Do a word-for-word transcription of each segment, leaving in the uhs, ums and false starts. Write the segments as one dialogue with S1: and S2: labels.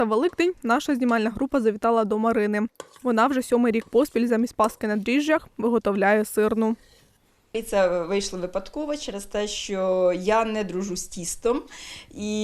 S1: Та Великдень наша знімальна група завітала до Марини. Вона вже сьомий рік поспіль замість паски на дріжджах виготовляє сирну.
S2: І це вийшло випадково через те, що я не дружу з тістом. І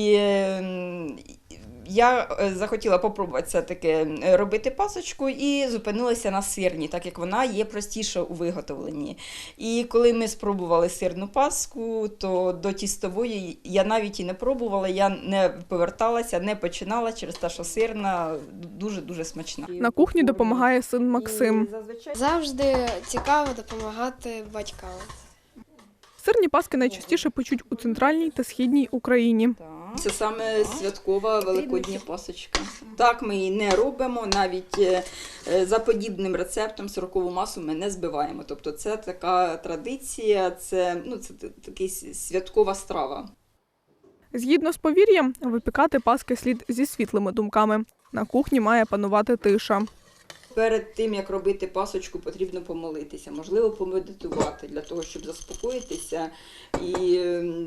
S2: я захотіла спробувати все-таки робити пасочку і зупинилася на сирній, так як вона є простіша у виготовленні. І коли ми спробували сирну паску, то до тістової я навіть і не пробувала, я не поверталася, не починала через те, що сирна дуже-дуже смачна.
S1: На кухні допомагає син Максим.
S3: Завжди цікаво допомагати батькам.
S1: Сирні паски найчастіше печуть у центральній та східній Україні.
S2: Це саме святкова великодня пасочка. Так ми її не робимо, навіть за подібним рецептом сирокову масу ми не збиваємо. Тобто це така традиція, це, ну, це така святкова страва.
S1: Згідно з повір'ям, випікати паски слід зі світлими думками. На кухні має панувати тиша.
S2: Перед тим, як робити пасочку, потрібно помолитися, можливо, помедитувати, для того, щоб заспокоїтися і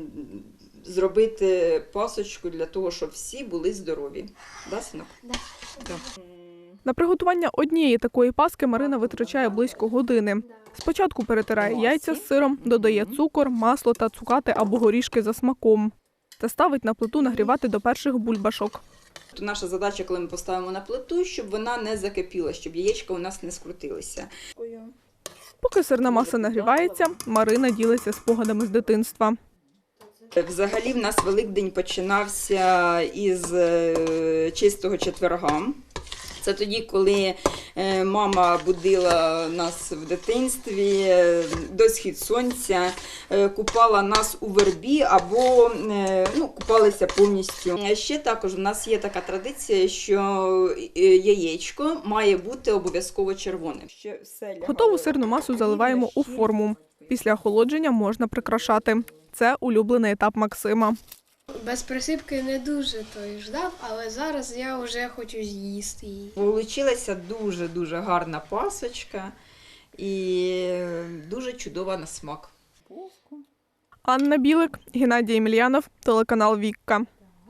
S2: зробити пасочку для того, щоб всі були здорові. Да, синок?
S3: Да.
S2: Да.
S1: На приготування однієї такої паски Марина витрачає близько години. Спочатку перетирає яйця з сиром, додає цукор, масло та цукати або горішки за смаком. Та ставить на плиту нагрівати до перших бульбашок.
S2: Наша задача, коли ми поставимо на плиту, щоб вона не закипіла, щоб яєчка у нас не скрутилися.
S1: Поки сирна маса нагрівається, Марина ділиться спогадами з дитинства.
S2: Взагалі в нас Великдень починався із чистого четверга. Це тоді, коли мама будила нас в дитинстві до схід сонця, купала нас у вербі або ну, купалися повністю. Ще також у нас є така традиція, що яєчко має бути обов'язково червоним.
S1: Готову сирну масу заливаємо у форму. Після охолодження можна прикрашати. Це улюблений етап Максима.
S3: Без присипки не дуже той ждав, але зараз я вже хочу з'їсти її.
S2: Получилася дуже-дуже гарна пасочка і дуже чудова на смак.
S1: Анна Білик, Геннадій Емельянов, телеканал «Вікка».